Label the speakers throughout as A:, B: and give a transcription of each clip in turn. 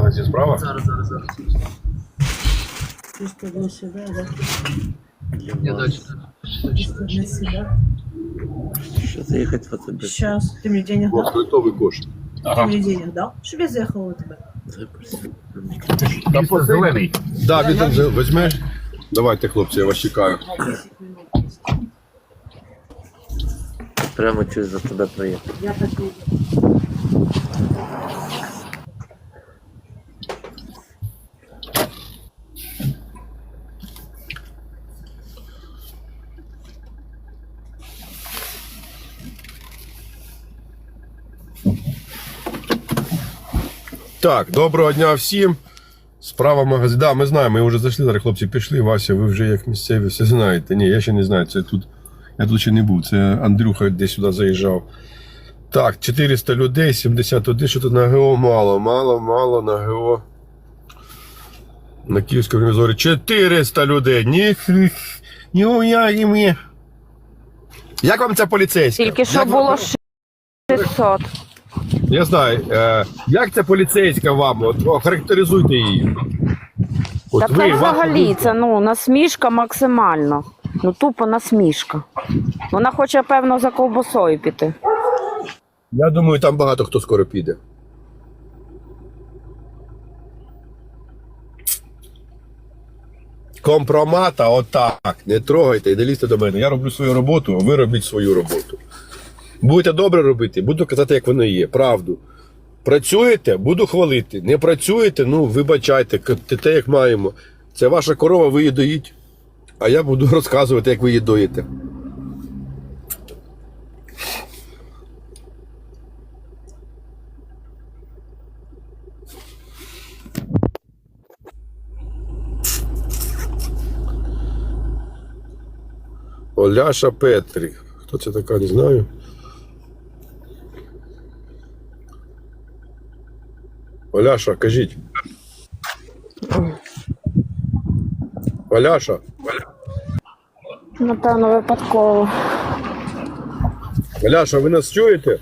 A: сталася справа?
B: Зараз.
C: Чисто для себя, да?
B: Я далі.
C: Чисто для себя.
D: Что заехать в АТБ?
C: Сейчас. Ты мне денег дал?
A: Готовий кошт.
C: Ты мне денег дал? Чтобы я заехала у тебя.
A: Там зелений. Да, він там візьмеш. Давайте, хлопці, я вас чекаю.
C: 10 минут есть.
D: Прямо через АТБ проехать.
C: Я так и иду.
A: Так, доброго дня всім. Справа магазин. Да, ми знаємо, ми вже зайшли, зараз хлопці пішли. Вася, ви вже як місцеві все знаєте. Ні, я ще не знаю, це тут. Я тут ще не був, це Андрюха десь сюди заїжджав. Так, 400 людей, 71, що тут на ГО мало на ГО. На Київському ревізорі 400 людей. Ні, мені. Як вам ця поліцейська?
E: Тільки що
A: Як
E: було
A: вам-
E: 600.
A: Я знаю. Як ця поліцейська вам? От, охарактеризуйте її. От
E: Та це взагалі, це насмішка максимально. Тупо насмішка. Вона хоче, певно, за ковбасою піти.
A: Я думаю, там багато хто скоро піде. Компромата отак. Не трогайте і не лізьте до мене. Я роблю свою роботу, а ви робіть свою роботу. Будете добре робити, буду казати, як воно є. Правду. Працюєте, буду хвалити. Не працюєте, вибачайте, те, як маємо. Це ваша корова, ви її доїть. А я буду розказувати, як ви її доїте. Оляша Петрі. Хто це така, не знаю. Оляша, кажіть. Оляша.
E: Напевно, випадково.
A: Оляша, ви нас чуєте?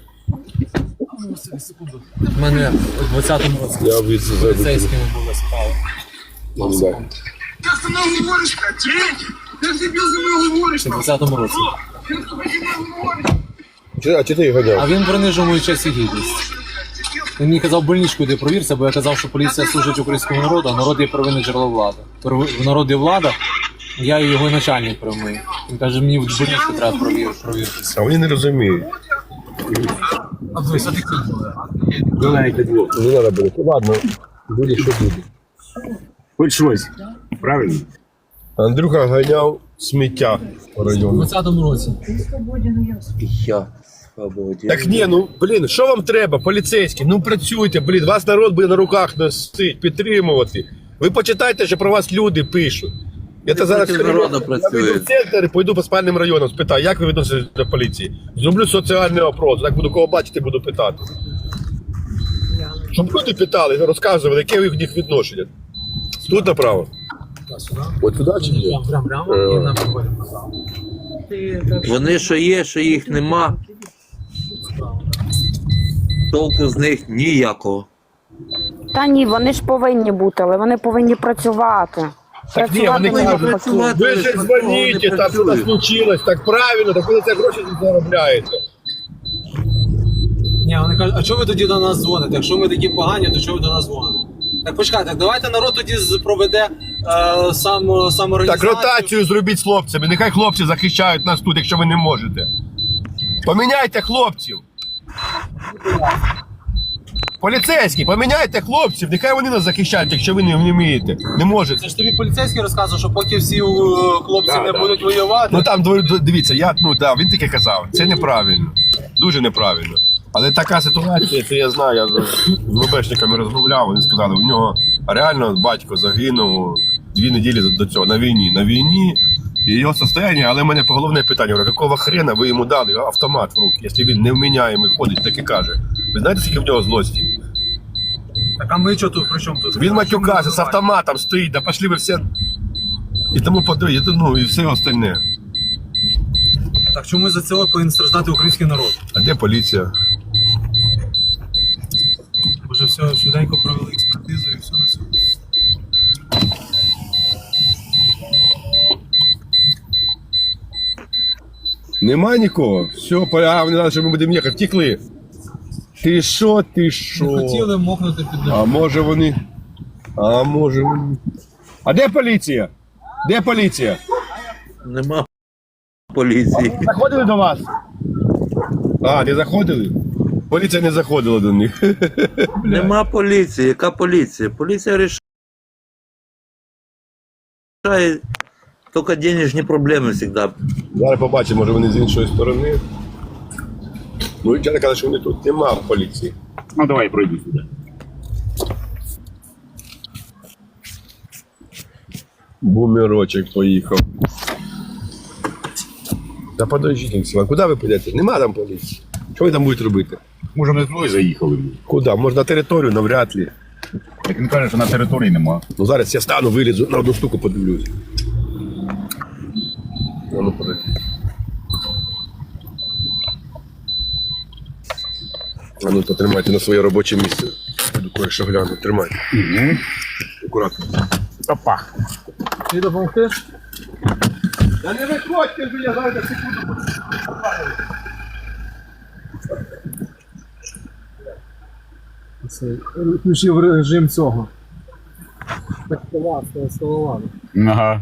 B: У мене у 20-му році
A: Я від
B: поліцейськими були справи.
A: Да.
F: Ты со мной говоришь, блядь? Ты себе со мной говоришь,
B: Ще в 20-му році.
F: ты со мной говоришь.
A: А чи ти їх
B: А
A: ганяв?
B: він принижив мою честь і гідність. Він мені казав больничку, йди провірся, бо я казав, що поліція служить українському народу, а народ є первинне джерело влади. В народі влада, я і його начальник прямий. Він каже, мені в больничку треба провіритися.
A: А вони не розуміють.
B: А дивись, а ти хто?
A: Не треба було. Ладно, буде що буде.
G: Хоч щось. Правильно?
A: Андрюха ганяв сміття по
B: У
A: району.
B: 20-му році.
C: Ты свободен, я
D: Я свободен.
A: Так ні, блін, що вам треба, поліцейські? Працюйте, блін, вас народ буде на руках носить, підтримувати. Ви почитайте, що про вас люди пишуть. Я зараз
D: проти народу
A: я
D: працюєте.
A: вийду в центр і пойду по спальним районам, спитаю, як ви відноситесь до поліції. Зроблю соціальний опрос, так буду кого бачити, буду питати. Щоб люди питали, розказували, яке в них відношення. Тут направо? От туди чи ні?
B: Прямо і на проходимо назад.
D: Вони що є, що їх нема, толку з них ніякого.
E: Та ні, вони ж повинні бути, але вони повинні працювати.
A: Так ні, вони
E: Працювати
A: кажуть,
E: навпаки.
A: ви ж дзвоніть, там щось случилось, так правильно, так ви за це гроші заробляєте.
B: Ні, вони кажуть, а чого ви тоді до нас дзвоните? Якщо ми такі погані, то чого ви до нас дзвоните? Так почекайте, так давайте народ тоді проведе самоорганізацію.
A: Так ротацію зробіть з хлопцями, нехай хлопці захищають нас тут, якщо ви не можете. Поміняйте хлопців. Поліцейські, поміняйте хлопців, нехай вони нас захищають, якщо ви не вмієте, не можете.
B: Це ж тобі поліцейський розказував, що поки всі хлопці не будуть воювати.
A: Ну там, дивіться, він таке казав, це неправильно, дуже неправильно. Але така ситуація, це я знаю, я з ВБшниками розмовляв, вони сказали, у нього реально батько загинув 2 неділі до цього на війні, і його состояние, але в мене головне питання, говорю, якого хрена ви йому дали автомат в руки, якщо він невміняємий ходить, так і каже. Ви знаєте, скільки в нього злості?
B: Так а ми що тут, при чому тут?
A: Він матюкався, з автоматом стоїть, да пошли ви все, і тому подає, і все остальне.
B: Так чому за цього повинен страждати український народ?
A: А де поліція?
B: Може все швиденько провели експертизу і
A: Нема нікого? Все, а вони знали, що ми будемо їхати. Втекли. Ти що, ти що?
B: Хотіли мокнути під ногу.
A: А може вони. А де поліція? Де поліція?
D: Нема поліції.
A: Заходили до вас? А, не заходили? Поліція не заходила до них.
D: Нема поліції. Яка поліція? Поліція рішає тільки денежні проблеми завжди.
A: Зараз побачимо, може вони з іншої сторони. Ну, я казав, що вони тут нема поліції.
G: Ну давай пройди сюди.
A: Бумерочек поїхав. Та подождіть, Олексій, куди ви підете? Нема там поліції. Що ви там будете робити?
G: Може, ми двоє заїхали.
A: Куди? Може на територію, навряд ли.
G: Як він каже, що на території нема.
A: Ну зараз я стану, вилізу, на одну штуку подивлюсь. Ну, подожди. А ну, потримайте на своє робоче місце. Буду кое-що гляну. Тримайте.
G: Угу.
A: Акуратно.
G: Опа.
B: Ти допомогти?
A: Та не виходьте, я зараз секунду.
B: Включив режим цього. Так, столова.
G: Ага.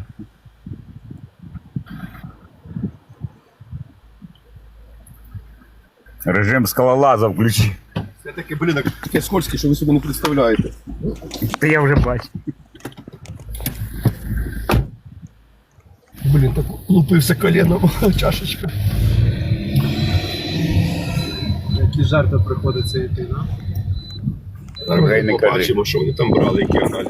G: Режим скалолаза включи.
A: Це таке, блін, таке скользке, що ви собі не представляєте.
G: Та я вже бачу.
A: Блін, так лупився коленом, чашечка.
B: Які жарти приходиться йти, да?
A: Зараз
G: Гей,
A: ми
G: не кажи.
A: побачимо, що вони там брали, які аналізи.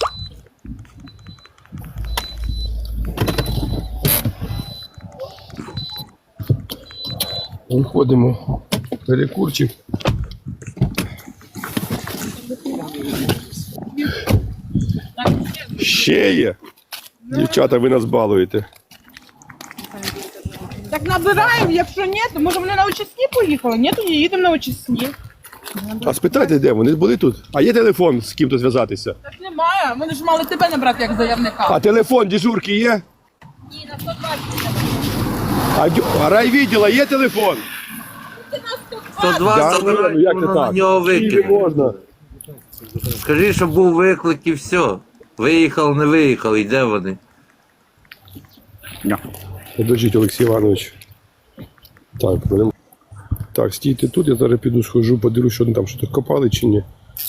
A: Виходимо. Перекурчик. Ще є. Дівчата, ви нас балуєте.
H: Так набираємо, якщо ні, то може вони на очисні поїхали? Ні, то не їдемо на очисні.
A: А спитайте, де вони були тут? А є телефон з ким-то зв'язатися?
H: Так немає, вони ж мали тебе набрати як заявника.
A: А телефон дежурки є?
H: Ні, на 120.
A: А райвідділа є телефон?
D: 102
A: Да,
D: забирай,
A: ну, як це
D: на
A: так?
D: нього
A: Скільки
D: викинуть.
A: можна?
D: Скажи, що був виклик і все. Виїхав, не виїхав, і де вони?
A: Подождіть, Олексій Іванович. Так, будемо. Так, стійте тут, я зараз піду схожу, подивлюсь, що вони там щось копали чи ні.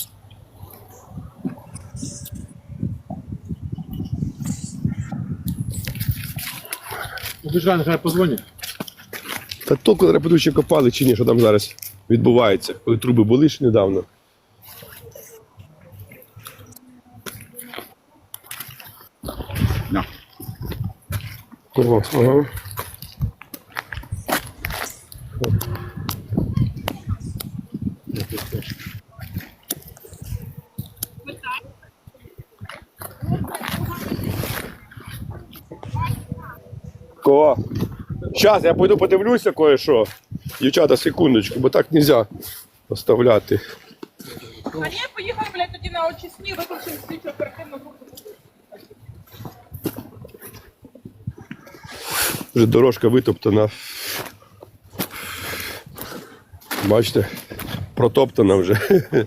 B: Обіжай, нехай позвонять.
A: Та толку зараз піду, чи копали чи ні, що там зараз відбувається, коли труби були ж недавно.
G: На.
A: О, ага. Кого? Зараз я пойду подивлюся кое-що. Дівчата, секундочку, бо так нельзя оставляти.
H: А ні, поїхали, блядь, тоді на очисні, виключимо слідчу оперативну групу.
A: Вже дорожка витоптана. Бачите, протоптана вже.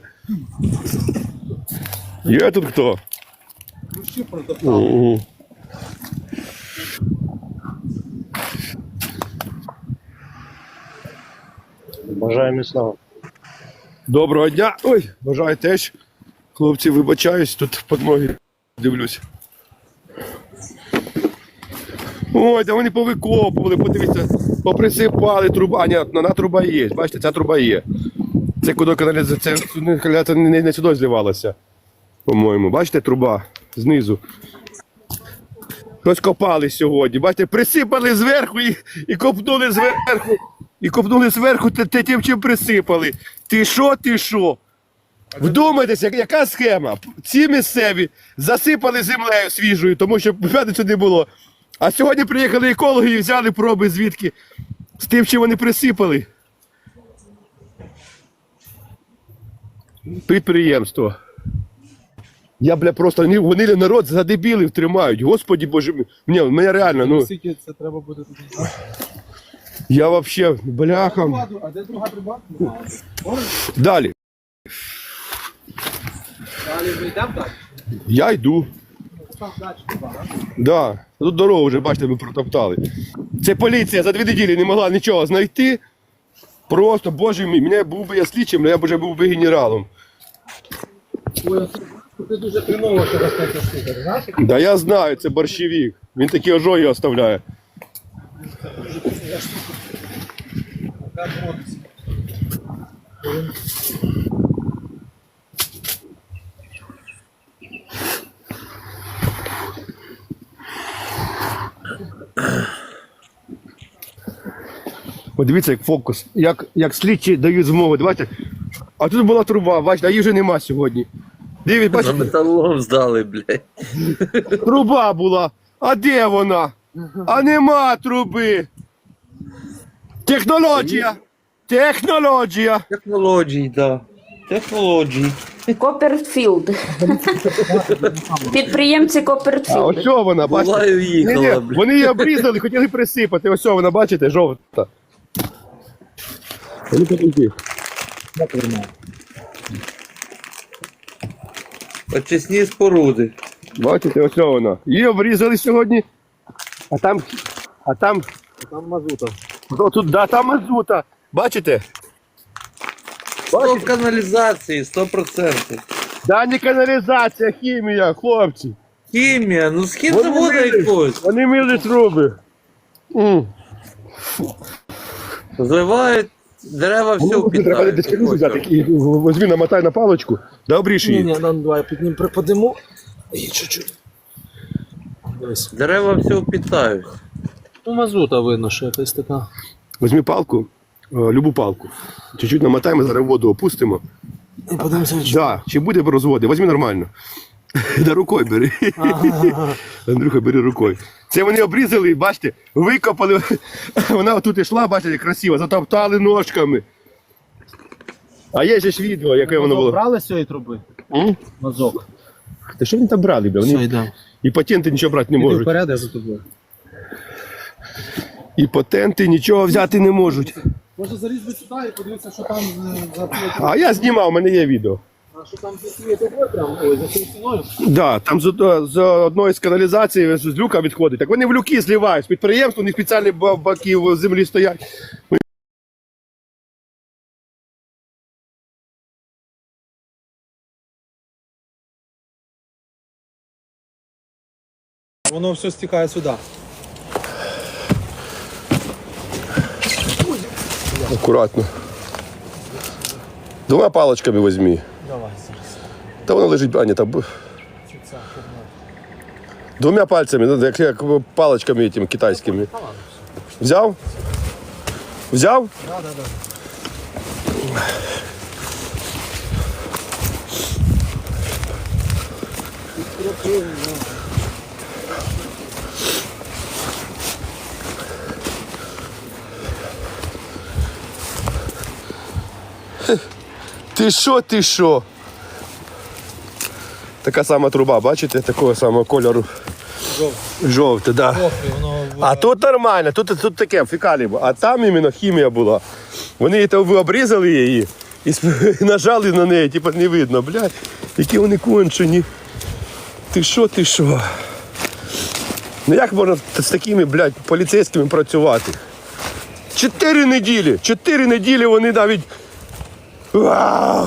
A: Є тут хто? Угу.
G: Бажаю міцного.
A: Доброго дня. Ой, бажаю теж. Хлопці, вибачаюсь, тут під ноги дивлюсь. Ой, да вони повикопували, подивіться, поприсипали труба. А, ні, одна труба є. Бачите, ця труба є. Це куди каналізація, це не сюди зливалося, по-моєму. Бачите, труба знизу. Розкопали сьогодні. Бачите, присипали зверху і копнули зверху. І копнули зверху тим, чим присипали. Ти що, ти що? Вдумайтеся, яка схема? Ці місцеві засипали землею свіжою, тому що п'ятницю не було. А сьогодні приїхали екологи і взяли проби звідки? З тим, чим вони присипали. Підприємство. Я, бля, просто, вони народ за дебілів тримають. Господі Боже мій. Мене реально, ну.
B: Скільки це треба буде тут?
A: Я вообще, бляха.
B: А де друга труба?
A: Далі.
B: Далі ми йдемо так?
A: Я йду.
B: Там далі труба, так?
A: Да. Тут дорогу вже, бачите, ми протоптали. Це поліція за 2 неділі не могла нічого знайти. Просто, боже мій, мене був би я слідчим, але я б вже був би генералом.
B: Ой, ти дуже хреново через таке штука, ти знаєш?
A: Да я знаю, це борщевик. Він такі ожоги оставляє. Подивіться, як фокус. Як слідчі дають змогу. Давайте. А тут була труба, бачите, а її вже нема сьогодні. Дивіться,
D: За
A: бачите,
D: металолом здали, блядь.
A: труба була. А де вона? А нема труби. Технологія. Технологія.
D: Технології, да. Технології.
E: Копперфілд. Підприємці
A: А
E: Копперфілд.
A: ось що вона, бачите?
D: Була і
A: Ні-ні,
D: уїхала, блядь.
A: вони її обрізали, хотіли присипати. Ось що вона, бачите, жовта. Вони такі.
D: Очисні споруди.
A: Бачите, ось що вона. Її обрізали сьогодні. А там.
B: Там мазута.
A: О, тут, да, там мазута. Бачите?
D: Стоп каналізації, 100%.
A: Да, не каналізація, хімія, хлопці.
D: Хімія, ну схід
A: Вони
D: заводу
A: мили.
D: якогось.
A: Вони мили труби.
D: Зливають дерева все
A: Ну, треба десь
D: впітають.
A: взяти і возьми, намотай на паличку. Да, обріж її.
B: Ні, давай піднім припадемо. І чуть-чуть. Дивись.
D: Дерева все впітають.
B: Ну, мазута видно, що якась така.
A: Возьми палку, любу палку. Чуть-чуть намотаємо, зараз воду опустимо.
B: І подивимося, чи...
A: Да, чи буде розводи, возьми нормально. Да рукою бери. Андрюха, бери рукою. Це вони обрізали, бачите, викопали. Вона отут йшла, бачите, красиво, затоптали ножками. А є же ж відео, яке воно було.
B: Брали з цієї труби? Мазок.
A: Та що вони там брали, бля?
B: Все,
A: Вони
B: йдемо.
A: і патенти нічого брати не
B: Іди
A: можуть.
B: вперед, я за тобою.
A: І патенти нічого взяти не можуть.
B: Може залізти сюди і подивитися, що там за цією
A: А я знімав, у мене є відео.
B: А що там за цією трубою прямо? Ой, за цією стіною?
A: Да, там з одної з каналізації з люка відходить. Так вони в люки зливають. З підприємства, у них спеціальні баки в землі стоять.
B: Воно все стікає сюди.
A: Акуратно. 2 паличками візьми.
B: Давай зараз.
A: Та воно лежить, а ні, там. 2 пальцями, ну, як паличками тими китайськими. Взяв? Взяв?
B: Да.
A: Ти що? Така сама труба, бачите? Такого самого кольору. Жовте, да.
B: Воно...
A: А тут нормально, тут таке фекалії було. А там іменно хімія була. Вони ви обрізали її і нажали на неї, типу не видно, блядь, які вони кончені. Ти що? Ну як можна з такими, блядь, поліцейськими працювати? 4 неділі! 4 неділі вони навіть. Вау!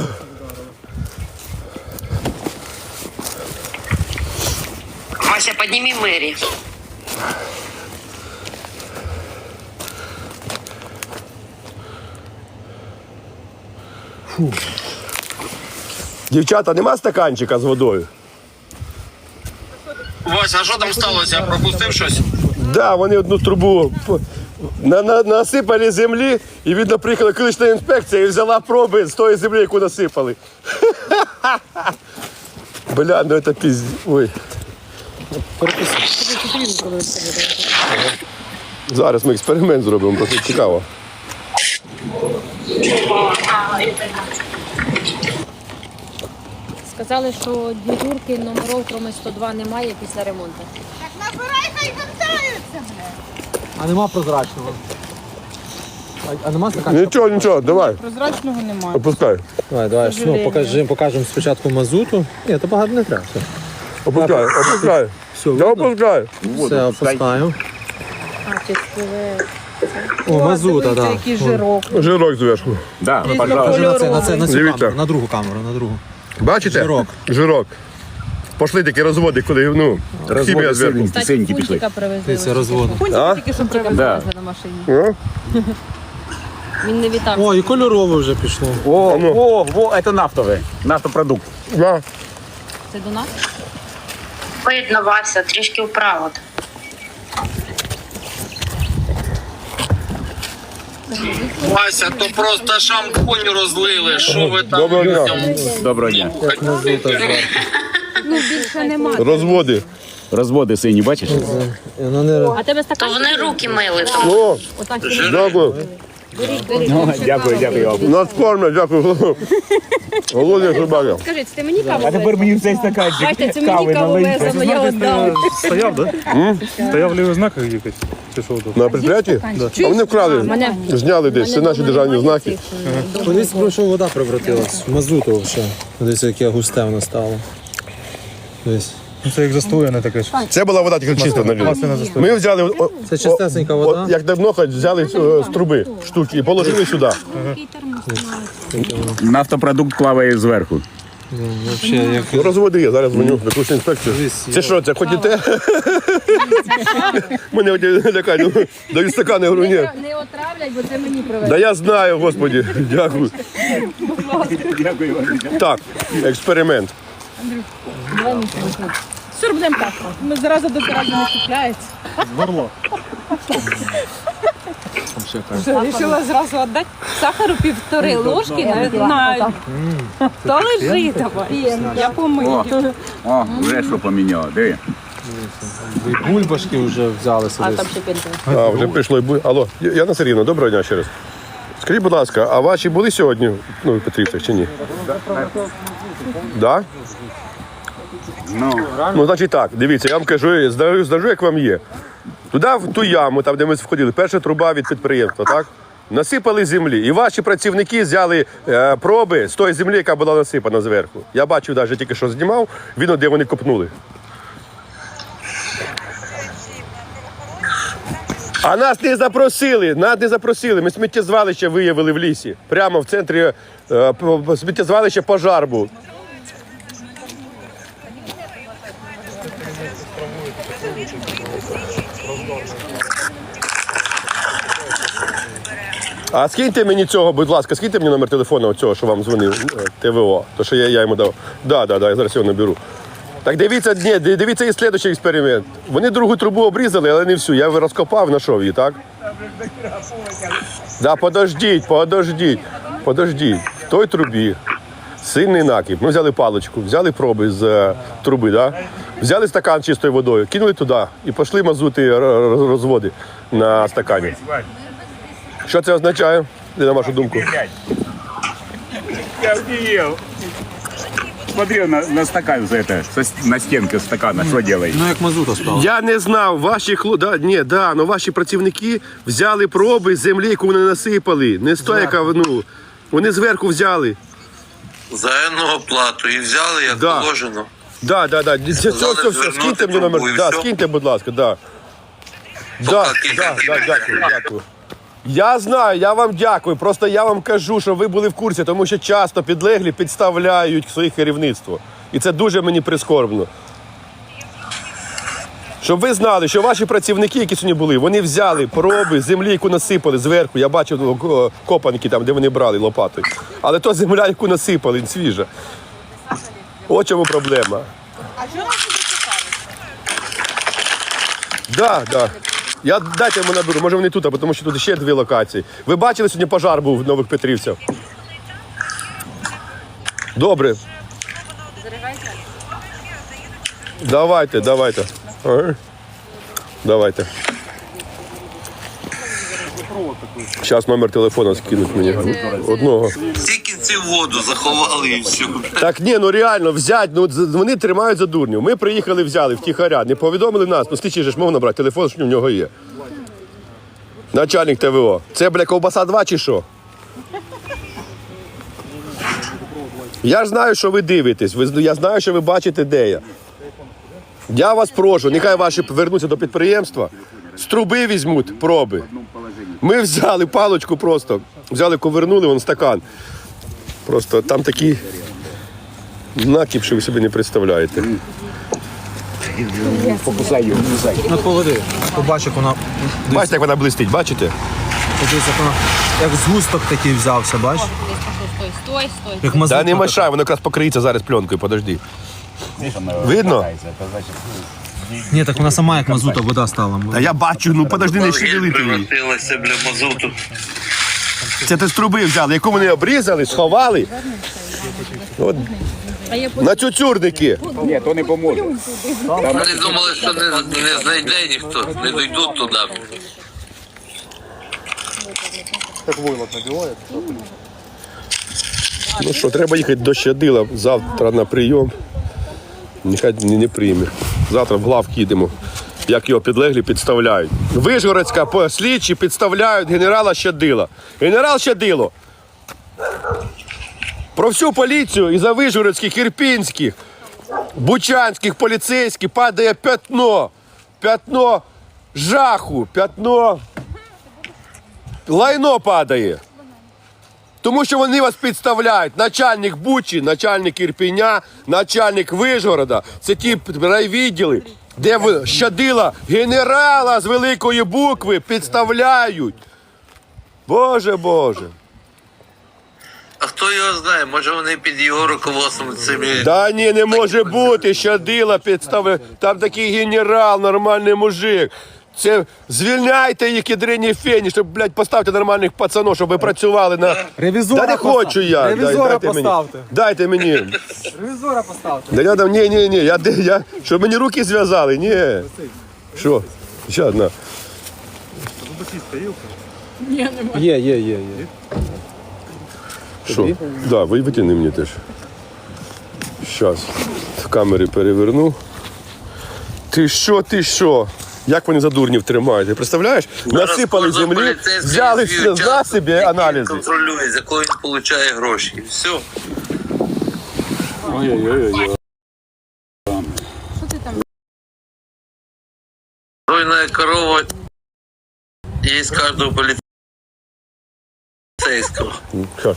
I: Вася, подними Мэри.
A: Дівчата, нема стаканчика з водою?
F: Вася, а що там сталося? Я пропустив щось?
A: Да, вони одну трубу насипали землі і, видно, приїхала екологічна інспекція і взяла проби з тої землі, яку насипали. Бля, ну це пізд... Ой. Зараз ми експеримент зробимо, просто цікаво.
J: Сказали, що дежурки номерів, крім 102, немає після ремонту.
H: Так набирай, хай вертаються, блядь.
B: А нема прозрачного. А нема стаканчика?
A: Нічого, нічого, давай,
H: Прозрачного немає.
A: опускай.
B: Давай, ну, покажемо спочатку мазуту. Ні, то багато не треба. Все,
A: Опускай, опускай.
B: все,
A: Да опускай.
B: все опускаємо.
J: А, чи спливе.
B: О, мазута, так.
H: Який жирок.
A: Жирок зверху.
G: Да,
B: На цю
A: Дивіться.
B: камеру, на другу камеру, на другу.
A: Бачите?
B: Жирок.
A: Жирок. Пошли такі розводи, коли, ну, хімія зверху.
J: Кстати,
G: синькі пішли.
J: фунтика привезли.
B: Дивіться, розводи.
A: А?
H: Тільки що привезли.
G: Да.
J: На машині.
A: Ну?
J: Він не вітав.
B: О, і кольорове вже пішло.
G: О, это нафтовый. Нафтопродукт.
A: На.
J: Це до нас?
I: Видно, Вася, трішки вправо.
F: Вася, то просто шампунь розлили. Що ви там
A: Доброго дня.
F: людям?
G: Доброго дня.
J: Ну, більше нема.
A: Розводи.
G: Розводи сині, бачиш?
B: Воно не...
J: А тебе
I: То
J: стакан?
I: вони руки мили. Там.
A: О,
J: Отак.
A: дякую.
G: Дякую, дякую вам.
A: Нас кормять, дякую. Голодні собаки.
J: Скажи, це ти мені каву
G: А тепер мені в цей стаканчик
J: Бачите, це мені каву везено, я віддав.
K: Стояв, да? Стояв лівий знак якийсь? Чи що тут?
A: На предприятті? А вони вкрали, зняли десь, це наші державні знаки.
B: Колись пройшов, вода превратилась. В мазуту взагалі. Дивіться, яке густе воно стало. Десь.
K: Ну, це як застояне таке.
A: Це була вода тільки чиста на люди. Ми взяли,
B: Це чистесенька вода.
A: як давно хоч взяли з труби штуки і положили сюди.
G: Нафтопродукт плаває зверху.
B: Взагалі, як...
A: Ну, розводи є, зараз дзвоню в якусь інспекцію. Це що, це ходіте? Мене лякають, дають стакани, я говорю, ні.
J: Не отравлять, бо це мені привезли.
A: Да я знаю, господі, дякую.
G: Дякую вам.
A: Так, експеримент.
H: Сюрбнем так. Ми зараза до зарази не купляється. Рішила зразу віддати сахару 1,5 ложки, не знаю. То лежить давай. Я помию.
G: О, вже що поміняло, диви.
B: І бульбашки вже взялися
J: А
B: десь.
J: там ще пінти.
A: А, вже прийшло і буде. Алло, Яна Сергіївна, доброго дня ще раз. Скажіть, будь ласка, а ваші були сьогодні, ну, в Петрівцях чи ні? Да? Ну, значить так, дивіться, я вам кажу, здажу, як вам є. Туди, в ту яму, там, де ми входили, перша труба від підприємства, так? Насипали землі. І ваші працівники взяли проби з тої землі, яка була насипана зверху. Я бачив, навіть тільки що знімав, видно, де вони копнули. А нас не запросили, Ми сміттєзвалище виявили в лісі. Прямо в центрі сміттєзвалища пожар був. А скиньте мені цього, будь ласка, скиньте мені номер телефону цього, що вам дзвонив, ТВО, то що я йому дав. Да, я зараз його наберу. Так дивіться і слідчий експеримент. Вони другу трубу обрізали, але не всю. Я розкопав, знайшов її, так? Да, подождіть. В той трубі сильний накип. Ми взяли паличку, взяли проби з труби, да? Взяли стакан чистою водою, кинули туди і пішли мазути розводи на стакані. Що це означає, на вашу думку?
G: Я офігел. Смотри на стакан за это, на стенке стакана, що делает?
B: Ну, як мазута стала.
A: Я не знав, ваші працівники взяли проби з землі, яку вони насипали. Не з тої, яка, вони зверху взяли.
F: Заємну оплату і взяли, як
A: Да.
F: положено.
A: Да. Все, скиньте мені номер.
F: трубу і
A: Да,
F: все.
A: скиньте, будь ласка, да. Дякую. Я знаю, я вам дякую. Просто я вам кажу, що ви були в курсі, тому що часто підлеглі підставляють своє керівництво. І це дуже мені прискорбно. Щоб ви знали, що ваші працівники, які сьогодні були, вони взяли проби землі, яку насипали зверху. Я бачив копанки там, де вони брали лопатою. Але то земля, яку насипали, свіжа. От чому проблема.
H: А що нас туди цікавить?
A: Да. Дайте йому наберу, може вони тут, тому що тут ще 2 локації. Ви бачили, сьогодні пожар був в Нових Петрівцях? Добре. Давайте. Ага. Давайте. Зараз номер телефона скинуть мені. Одного.
F: Всі кінці в воду заховали і все.
A: Так ні, реально, взять, вони тримають за дурнів. Ми приїхали, взяли втіхаря, не повідомили нас, слідчий же ж мов набрати, телефон, що в нього є. Начальник ТВО. Це, бля, ковбаса 2 чи що? Я ж знаю, що ви дивитесь. Я знаю, що ви бачите, де я. Я вас прошу, нехай ваші вернуться до підприємства, з труби візьмуть проби. Ми взяли паличку просто, взяли, ковернули, вон стакан. Просто там такі накіп, що ви собі не представляєте.
G: Покусай його, кусай.
B: Ну, поведи. Побач, як вона.
A: Бачите, як вона блистить, бачите?
B: Подивись, як вона. Як згусток такий взявся, бач?
J: Стой.
B: Як
A: Та
B: мазута.
A: не мешай, воно якраз покриється зараз пленкою, подожди. Видно?
B: Ні, так вона сама як мазута, вода стала.
A: Та я бачу, ну подожди, не шевелити її.
D: Превратилася, бля, мазуту.
A: Це ти з труби взяли, яку вони обрізали, сховали. От. На цюцюрники.
G: Ні, то не поможе.
D: Вони думали, що не знайде ніхто, не дійдуть туди.
A: Ну що, треба їхати до Щадила завтра на прийом. Нехай не прийме. Завтра в главк їдемо. Як його підлеглі підставляють. Вишгородська слідчі підставляють генерала Щадила. Генерал Щадило. Про всю поліцію і за вишгородських, ірпінських, бучанських поліцейських падає пятно. Пятно жаху, пятно лайно падає. Тому що вони вас підставляють. Начальник Бучі, начальник Ірпіня, начальник Вишгорода. Це ті райвідділи, де Щадила генерала з великої букви підставляють. Боже, Боже.
D: А хто його знає, може вони під його руководством цими...
A: Да ні, не може бути, Щадила підставляє. Там такий генерал, нормальний мужик. Це звільняйте їх, ядрині фені, щоб, блядь, поставте нормальних пацанов, щоб ви працювали на...
B: Ревізора
A: Да не хочу я.
B: Ревізора
A: Дайте мені.
B: поставте.
A: Дайте мені.
B: Ревізора поставте.
A: Да я там, ні, я, щоб мені руки зв'язали, ні. Що? Ще одна.
B: Є.
A: Що? Да, витягни мені теж. Щас. В камери переверну. Ти що? Як вони за дурнів тримають? Ти представляєш? Насипали землі, взяли на собі аналізи.
D: Контролює, за кого він отримує гроші. І все.
G: Ой-ой-ой.
D: Ройная корова есть каждого полицейского.
A: Що?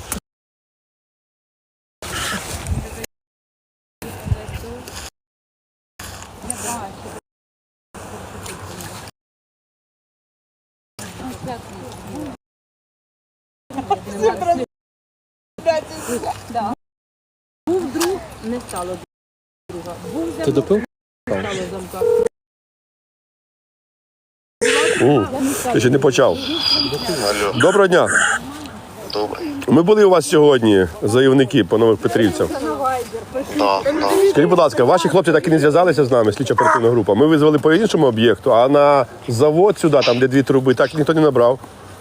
J: Не стало друга. Був
B: Ти допив?
A: Ти ще не почав. Доброго дня. Ми були у вас сьогодні, заявники по Нових Петрівцях. Скажіть, будь ласка, ваші хлопці так і не зв'язалися з нами, слідчо-оперативна група. Ми визвали по іншому об'єкту, а на завод сюди, там де 2 труби, так ніхто не набрав.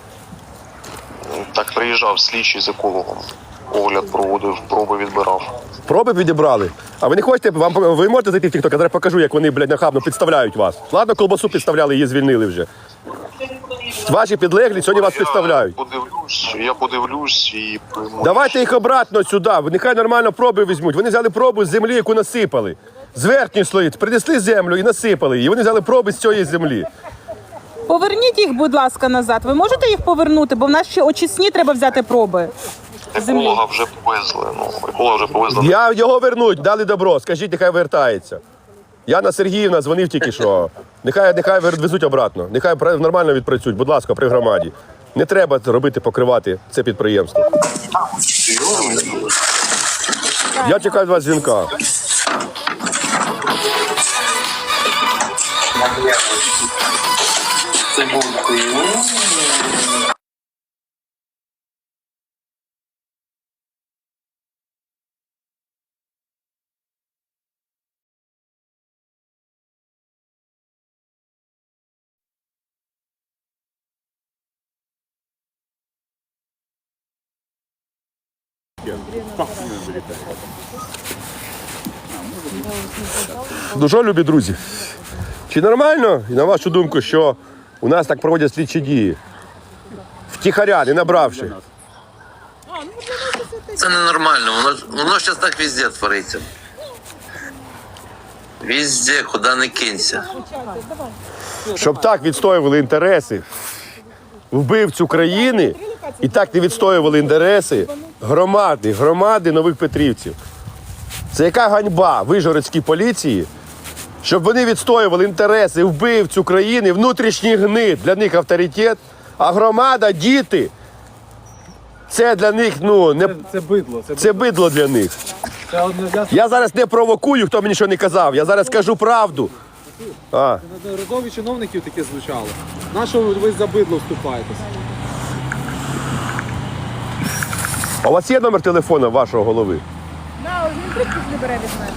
L: Так приїжджав слідчий з екологом. Огляд проводив, проби відбирав.
A: Проби відібрали. А ви не хочете, ви можете зайти в TikTok, я зараз покажу, як вони, блядь, нахабно підставляють вас. Ладно, колбасу підставляли, її звільнили вже. Ваші підлеглі сьогодні вас підставляють.
L: Я подивлюсь і прийму.
A: Давайте їх обратно сюди, нехай нормально проби візьмуть. Вони взяли пробу з землі, яку насипали. З верхньої слої принесли землю і насипали її. Вони взяли проби з цієї землі.
H: Поверніть їх, будь ласка, назад. Ви можете їх повернути, бо в нас ще очисні треба взяти проби.
L: Еколога вже повезли. Еколога вже повезли.
A: Я його вернуть, дали добро, скажіть, нехай вертається. Яна Сергіївна дзвонив тільки що. Нехай везуть обратно, нехай нормально відпрацюють, будь ласка, при громаді. Не треба робити, покривати це підприємство. Я чекаю від вас дзвінка. Ну що, любі друзі, чи нормально, і на вашу думку, що у нас так проводять слідчі дії? Втіхаря, не набравши.
D: Це ненормально, воно зараз так везде твориться. Везде, куди не кинься.
A: Щоб так відстоювали інтереси вбивцю країни і так не відстоювали інтереси громади Нових Петрівців. Це яка ганьба вижгородській поліції, щоб вони відстоювали інтереси вбивцю країни, внутрішній гнид, для них авторитет, а громада, діти, це для них, ну, не...
B: Це бидло.
A: Це бидло для них. Я зараз не провокую, хто мені що не казав, я зараз кажу правду.
B: Неодноразові чиновників таке звучало. На що ви за бидло вступаєтесь?
A: А у вас є номер телефону вашого голови?
H: Да, він трубку не бере від мене.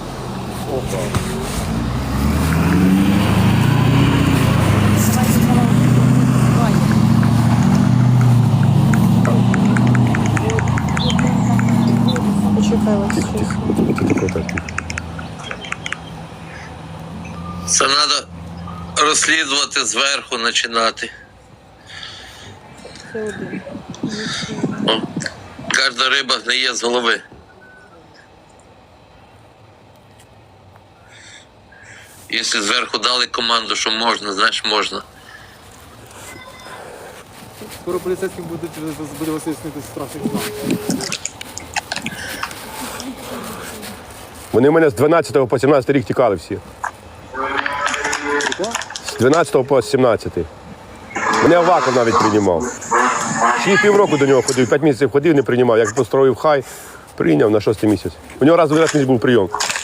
D: Це треба розслідувати зверху, починати. Кожна риба гниє з голови. Якщо зверху дали команду, що можна, значить можна.
B: Скоро поліцейським буде вияснити страшний план.
A: Вони в мене з 12 по 17 рік тікали всі. З 12 по 17. Мене Аваков навіть приймав. Ще півроку до нього ходив, 5 місяців ходив, не приймав. Як построїв хай, прийняв на 6-й місяць. У нього раз в 12 був прийом.